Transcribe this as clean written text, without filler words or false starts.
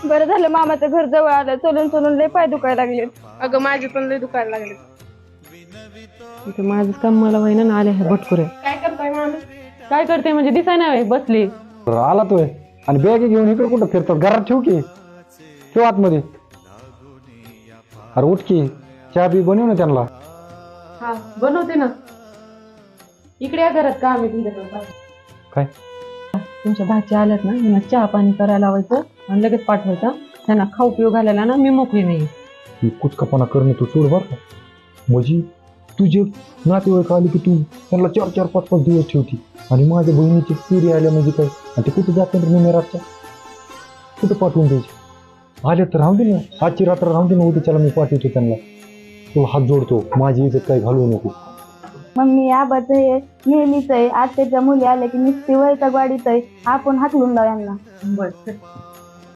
बरं झालं मामाचं घर जवळ आलं, चलून चलून लय पाय दुखायला लागले. अगं माझे पण लय दुखायला लागले. इथे माझं काम मला वहिना ना आले हे भटकुरे. काय करताय मामी? काय करते म्हणजे दिसाय नाही बसली. आला तोय आणि बॅग घेऊन इकडे कुठं फिरतो? घरात ठेव की, ठेव आतमध्ये. अरे उठ की, चहा बी बनव ना त्यांना. हा बनवते ना. इकडे या घरात काम आहे तुमच्याकडे. काय तुमच्या भाची आल्यात ना, त्यांना चहा पाणी करायला लावायचं आणि लगेच पाठवायचं. त्यांना खाऊ पिऊ घालायला ना मी मोकळी नाही. ही कुचकापणा करणं तू सोड बरं का. म्हणजे तुझे नातेवाईक आले की तू त्यांना 4-4, 5-5 दिवस ठेवती आणि माझ्या बहिणीची पिढी आल्या म्हणजे काय, आणि ते कुठं जात नाही रातच्या, कुठं पाठवून द्यायचे? आले तर राहून दे ना, आजची रात्र राहून दे ना, उद्याच्याला मी पाठवतो त्यांना. तो हात जोडतो, माझी इज्जत काही घालवू नको. मम्मी आबाचं हे नेहमीच आहे, आत्याच्या मुली आल्या की नुसती वैताग वाढीत आहे. आपण हाकलून लाव यांना. बरं